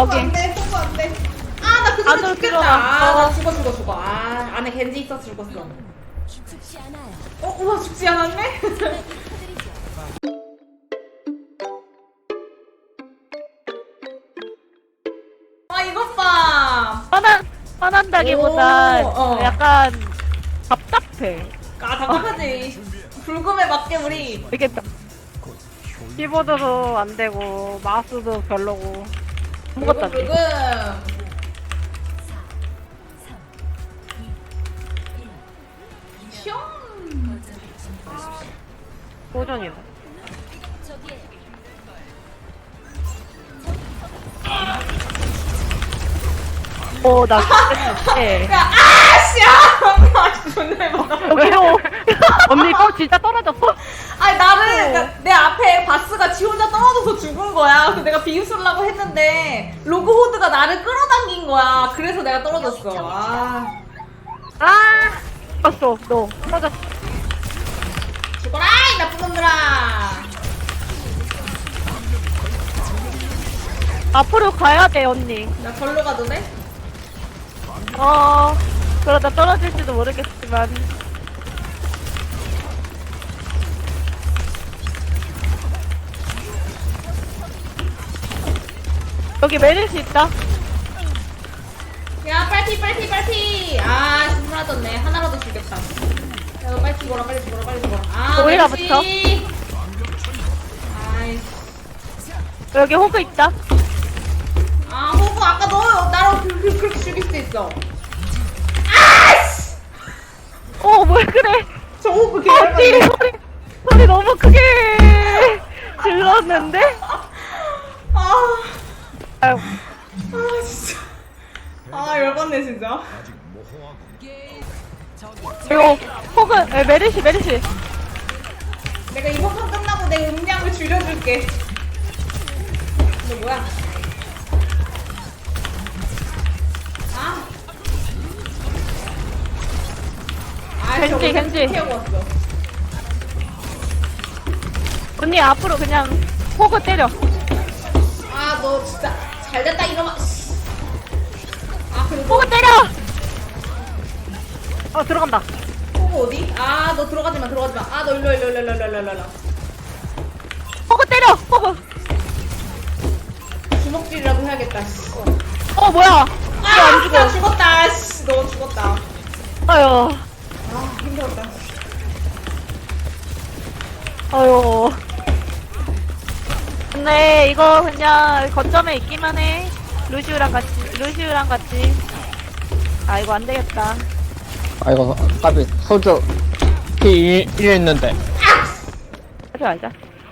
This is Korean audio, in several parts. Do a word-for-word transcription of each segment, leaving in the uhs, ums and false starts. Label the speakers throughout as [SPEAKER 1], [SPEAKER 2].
[SPEAKER 1] 거기.
[SPEAKER 2] 안 돼, 포구 안 돼. 아, 나 그대로
[SPEAKER 1] 안으로
[SPEAKER 2] 죽겠다.
[SPEAKER 1] 들어가.
[SPEAKER 2] 아, 나
[SPEAKER 1] 어.
[SPEAKER 2] 죽어, 죽어, 죽어. 아, 안에 겐지 있어 죽었어.
[SPEAKER 3] 죽지 않아요.
[SPEAKER 2] 어, 우와, 죽지 않았네? 아, 이것 봐.
[SPEAKER 1] 화난, 화난다기보다
[SPEAKER 2] 오, 어.
[SPEAKER 1] 약간 답답해.
[SPEAKER 2] 아, 답답하지. 불금에 맞게 우리.
[SPEAKER 1] 이게 키보드도 안 되고 마우스도 별로고 아무것도 안
[SPEAKER 2] 불금,
[SPEAKER 1] 돼.
[SPEAKER 2] 불금. 슝.
[SPEAKER 1] 도전이네.
[SPEAKER 3] 저기에
[SPEAKER 1] 어, 나 그때
[SPEAKER 2] 야, 아씨, 아, 아, 존나 해봐.
[SPEAKER 1] 왜요? 언니 거 진짜 떨어졌어?
[SPEAKER 2] 아니 나는 그러니까 내 앞에 바스가 지 혼자 떨어져서 죽은 거야. 그래서 내가 비웃으려고 했는데 로그 호드가 나를 끌어당긴 거야. 그래서 내가 떨어졌어. 아,
[SPEAKER 1] 아, 떨어졌어. 너 떨어졌어.
[SPEAKER 2] 죽어라 이 나쁜 놈들아.
[SPEAKER 1] 앞으로 가야 돼, 언니.
[SPEAKER 2] 나 절로 가도 돼?
[SPEAKER 1] 어, 그러다 떨어질지도 모르겠지만. 여기 메릴수 있다.
[SPEAKER 2] 야 빨리 빨리 빨리. 아 신나졌네. 하나라도 죽겠다. 야 너 빨리 죽어라 빨리 죽어라 빨리 죽어라. 아
[SPEAKER 1] 오히려
[SPEAKER 2] merci.
[SPEAKER 1] 붙어.
[SPEAKER 2] 아이씨.
[SPEAKER 1] 여기 호그 있다.
[SPEAKER 2] 아 호구 아까 너 나를 그, 그, 그렇게 죽일 수 있어. 아씨.
[SPEAKER 1] 어, 뭘 그래.
[SPEAKER 2] 저 호구
[SPEAKER 1] 언니,
[SPEAKER 2] 개열받네.
[SPEAKER 1] 소리, 소리 너무 크게 질렀는데?
[SPEAKER 2] 아.
[SPEAKER 1] 아유,
[SPEAKER 2] 아 진짜 아 열받네 진짜.
[SPEAKER 1] 이거 호그, 에, 메르시, 메르시.
[SPEAKER 2] 내가 이번 판 끝나고 내 음량을 줄여줄게. 너 뭐야? 아. 아
[SPEAKER 1] 겐지,
[SPEAKER 2] 저거
[SPEAKER 1] 겐지.
[SPEAKER 2] 태우고 왔어.
[SPEAKER 1] 언니 앞으로 그냥 호그 때려.
[SPEAKER 2] 아 너 진짜 잘됐다 이놈아. 씨. 아 그리고
[SPEAKER 1] 호그 때려! 어, 들어간다.
[SPEAKER 2] 호구 어디? 아 너 들어가지마 들어가지마. 아 너 일로 일로 일로 일로 일로 일로 일로.
[SPEAKER 1] 호그 때려! 호그!
[SPEAKER 2] 주먹질이라도 해야겠다. 씨.
[SPEAKER 1] 어, 뭐야?
[SPEAKER 2] 아,
[SPEAKER 1] 안 죽어.
[SPEAKER 2] 나 죽었다. 씨, 너 죽었다.
[SPEAKER 1] 아유,
[SPEAKER 2] 아, 힘들었다.
[SPEAKER 1] 아유. 근데 이거 그냥 거점에 있기만 해. 루시우랑 같이, 루시우랑 같이. 아, 이거 안 되겠다.
[SPEAKER 4] 아이고, 까비, 소주, 피 일 했는데.
[SPEAKER 1] 하지 말자.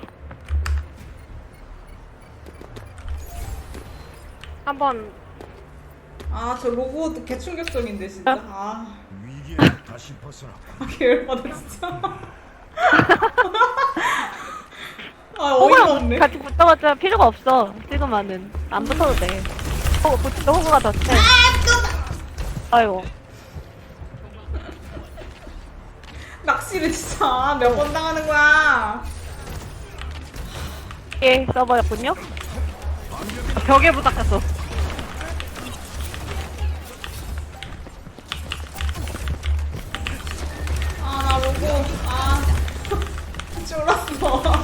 [SPEAKER 1] 한번
[SPEAKER 2] 아, 저 로봇 개충격적인데, 진짜. 아,
[SPEAKER 5] 위기에 다시 벗어나.
[SPEAKER 2] 아, 개열받아, 진짜. 아, 어이가
[SPEAKER 1] 호구랑
[SPEAKER 2] 없네.
[SPEAKER 1] 같이 붙어봤자 필요가 없어. 지금은 안 붙어도 돼. 호구 붙이도 호구가 더 세. 아이고.
[SPEAKER 2] 낚시를 진짜 몇 번 당하는 거야.
[SPEAKER 1] 예, 써버렸군요. 벽에 부닥쳤어.
[SPEAKER 2] 아, 나 로봇. 아, 쫄았어.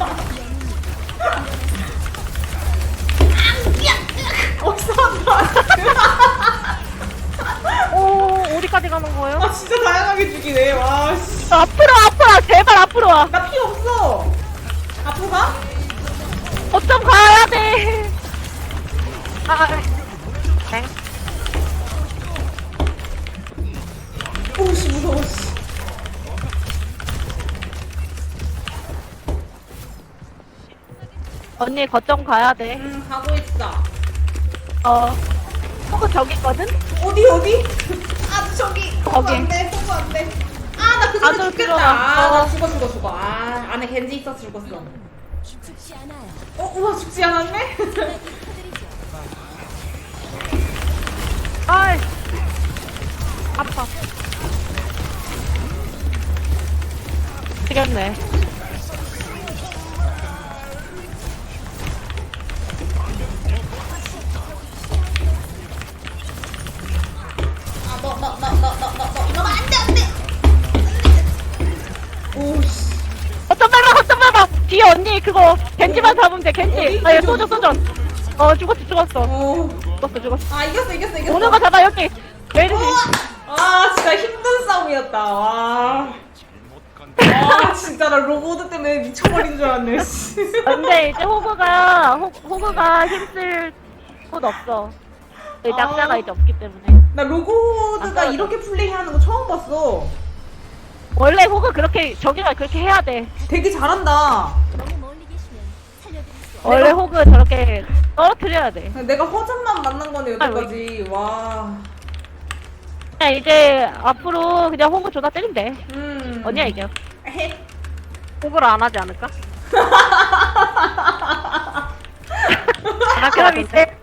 [SPEAKER 2] 어디서 한다.
[SPEAKER 1] 오, 어디까지 가는 거예요?
[SPEAKER 2] 아, 진짜 다양하게 죽이네. 와, 씨.
[SPEAKER 1] 앞으로, 앞으로 와. 제발 앞으로 와.
[SPEAKER 2] 나 피 없어. 앞으로 가?
[SPEAKER 1] 어쩜 가야 돼. 아, 아, 땡.
[SPEAKER 2] 오씨, 무서워, 씨.
[SPEAKER 1] 언니 거점 가야 돼.
[SPEAKER 2] 음, 가고 있어.
[SPEAKER 1] 어, 호구 저기 있거든?
[SPEAKER 2] 어디, 어디? 아, 저기.
[SPEAKER 1] 거기.
[SPEAKER 2] 거기. 안 돼, 포구 안 돼. 아, 나 그대로
[SPEAKER 1] 안으로
[SPEAKER 2] 죽겠다.
[SPEAKER 1] 들어가.
[SPEAKER 2] 아, 나
[SPEAKER 1] 어.
[SPEAKER 2] 죽어, 죽어, 죽어. 아, 안에 겐지 있어 죽었어.
[SPEAKER 3] 죽지 않아요.
[SPEAKER 2] 어, 우와, 죽지 않았네?
[SPEAKER 1] 아이, 아파. 되겠네. 언니 그거 겐지만 잡으면 돼 겐지.
[SPEAKER 2] 어디?
[SPEAKER 1] 아얘 쏘져 쏘져. 어 죽었어 죽었어.
[SPEAKER 2] 어.
[SPEAKER 1] 죽었어 죽었어.
[SPEAKER 2] 아 이겼어 이겼어 이겼어.
[SPEAKER 1] 오는 거 잡아 여기. 메르시.
[SPEAKER 2] 아 진짜 힘든 싸움이었다. 와. 아 진짜 나 로보드 때문에 미쳐버린 줄 알았네. 씨.
[SPEAKER 1] 근데 이제 호그가 호, 호그가 힘쓸 곳 없어. 이
[SPEAKER 2] 아.
[SPEAKER 1] 낙자가 이제 없기 때문에.
[SPEAKER 2] 나 로보드가
[SPEAKER 1] 안
[SPEAKER 2] 이렇게 플레이하는 거 처음 봤어.
[SPEAKER 1] 원래 호그 그렇게 저기가 그렇게 해야 돼.
[SPEAKER 2] 되게 잘한다.
[SPEAKER 3] 너무 멀리 계시면 살려드릴 수 없어요.
[SPEAKER 1] 원래 호그 저렇게 떨어뜨려야 돼.
[SPEAKER 2] 내가 허전만 만난 거네 여태까지. 와.
[SPEAKER 1] 그냥 이제 앞으로 그냥 호그 존나 때리면 돼.
[SPEAKER 2] 음.
[SPEAKER 1] 언니야 이겨.
[SPEAKER 2] 에헤.
[SPEAKER 1] 호그를 안 하지 않을까? 아 그럼 이제